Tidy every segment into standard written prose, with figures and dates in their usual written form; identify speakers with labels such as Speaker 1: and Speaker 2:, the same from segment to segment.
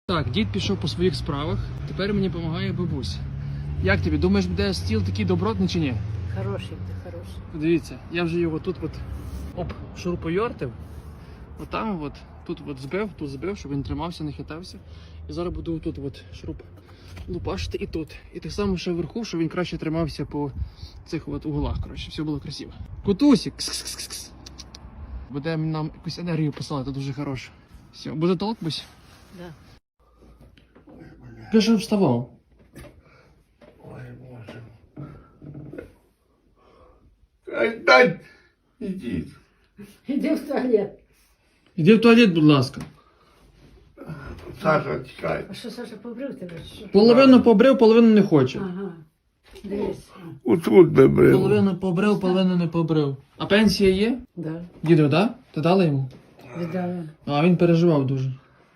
Speaker 1: Так, дід пішов по своїх справах, тепер мені допомагає бабуся. Як тобі, думаєш, буде стіл такий добротний чи ні?
Speaker 2: Хороший ти, хороший.
Speaker 1: Дивіться, я вже його тут шурупойортив. Отам тут збив, щоб він тримався, не хитався. І зараз буду тут шуруп лупашити і тут. І так само ще вверху, щоб він краще тримався по цих углах, коротше, все було красиво. Кутусік! Кс-кс-кс-кс. Буде нам якусь енергію посилати, дуже хороше. Все, буде толк, бусь?
Speaker 2: Да.
Speaker 1: Я ж вставав.
Speaker 3: Ой, Боже. Дай, ідіть.
Speaker 2: Іди в туалет.
Speaker 1: Іди в туалет, будь ласка.
Speaker 3: Саша, чекай.
Speaker 2: А що, Саша, побрив тебе? Що?
Speaker 1: Половину побрив, половину не хоче.
Speaker 2: Ага. Дивись.
Speaker 3: Отут би брив.
Speaker 1: Половину побрив, половину не побрив. А пенсія є?
Speaker 2: Да.
Speaker 1: Діду, да? Ти дала йому?
Speaker 2: Віддала.
Speaker 1: А він переживав дуже.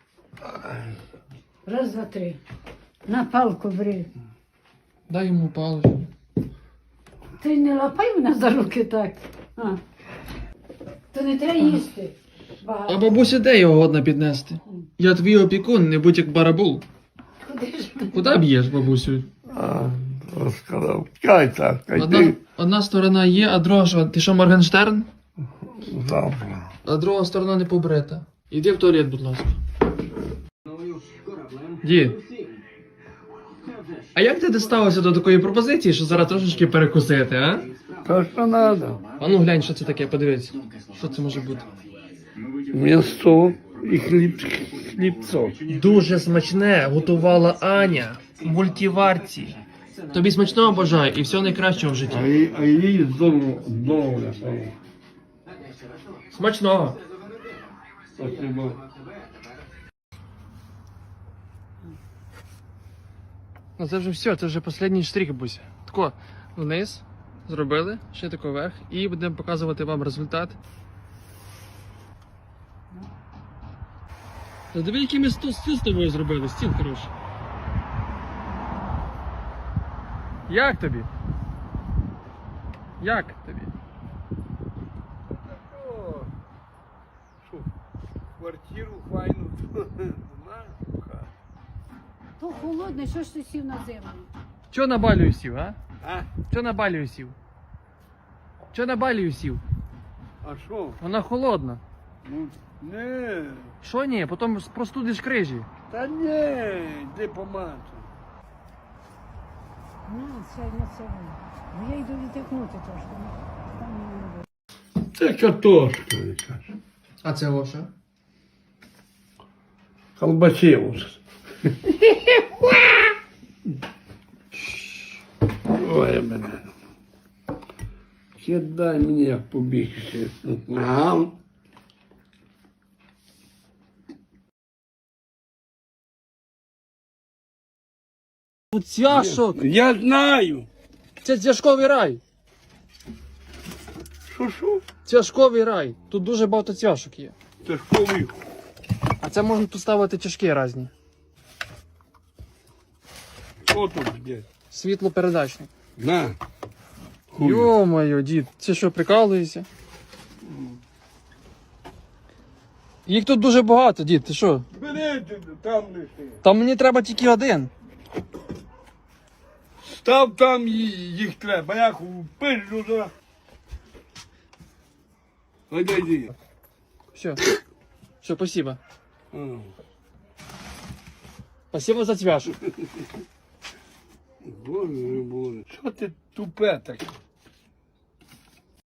Speaker 2: Раз, два, три. На палку бри.
Speaker 1: Дай йому паличку.
Speaker 2: Ти не лапай мене за руки так. А. То не треба їсти.
Speaker 1: А
Speaker 2: Багато.
Speaker 1: бабуся де його годна піднести? Я твій опікун, не будь як барабул.
Speaker 2: Куди ж ти?
Speaker 1: Куди б'єш, бабусю?
Speaker 3: Розказав. Чекай, Сашка, йди.
Speaker 1: Одна сторона є, а друга що? Ти що, Моргенштерн?
Speaker 3: Завтра.
Speaker 1: А друга сторона не побрита. Іди в туалет, будь ласка. Дід. А як ти дістався до такої пропозиції, що зараз трошечки перекусити, а?
Speaker 3: То, що треба.
Speaker 1: А ну глянь, що це таке, подивись. Що це може бути?
Speaker 3: М'ясо і хлібцо.
Speaker 1: Дуже смачне готувала Аня в мультиварці. Тобі смачного бажаю і всього найкращого в житті.
Speaker 3: А їй здорово.
Speaker 1: Смачного.
Speaker 3: Спасибо.
Speaker 1: Ну це вже все, це вже останній штрих, буся. Тако вниз зробили, ще тако вверх і будемо показувати вам результат. Та диви, який ми стіл з тобою зробили, стіл хороший. Як тобі? Як тобі?
Speaker 3: Що, квартиру файну знаєш?
Speaker 2: То холодне, що ж ти сів на землю?
Speaker 1: Чо на балію сів, а?
Speaker 3: А?
Speaker 1: Чо на балію сів? Чо на балію сів?
Speaker 3: А що?
Speaker 1: Вона холодна.
Speaker 3: Ну, не.
Speaker 1: Що ні? Потім простудиш крижі.
Speaker 3: Та ні, йди помати.
Speaker 2: Це не це. Бо я йду відтягнути трошки. Там не буде.
Speaker 3: Це картошка якась.
Speaker 1: А це Оша?
Speaker 3: Колбасилус. Ой, мене. Кидай мені, як побігся. Ага.
Speaker 1: Цяшок!
Speaker 3: Я знаю.
Speaker 1: Це цяшковий рай!
Speaker 3: Що?
Speaker 1: Цяшковий рай! Тут дуже багато цяшок є.
Speaker 3: Це школи.
Speaker 1: А це можна тут ставити чашки різні.
Speaker 3: Що тут є?
Speaker 1: Світлопередачник.
Speaker 3: На. Хуй.
Speaker 1: Йо-моє, дід, це що, прикалуєшся? Їх тут дуже багато, дід, ти що?
Speaker 3: Бери, там лиши.
Speaker 1: Там мені треба тільки один.
Speaker 3: Став там їх треба, я пишу за. Йди.
Speaker 1: Все. Все, спасибо. Спасибо за цвяшок.
Speaker 3: Боже, Боже. Що ти тупе таке?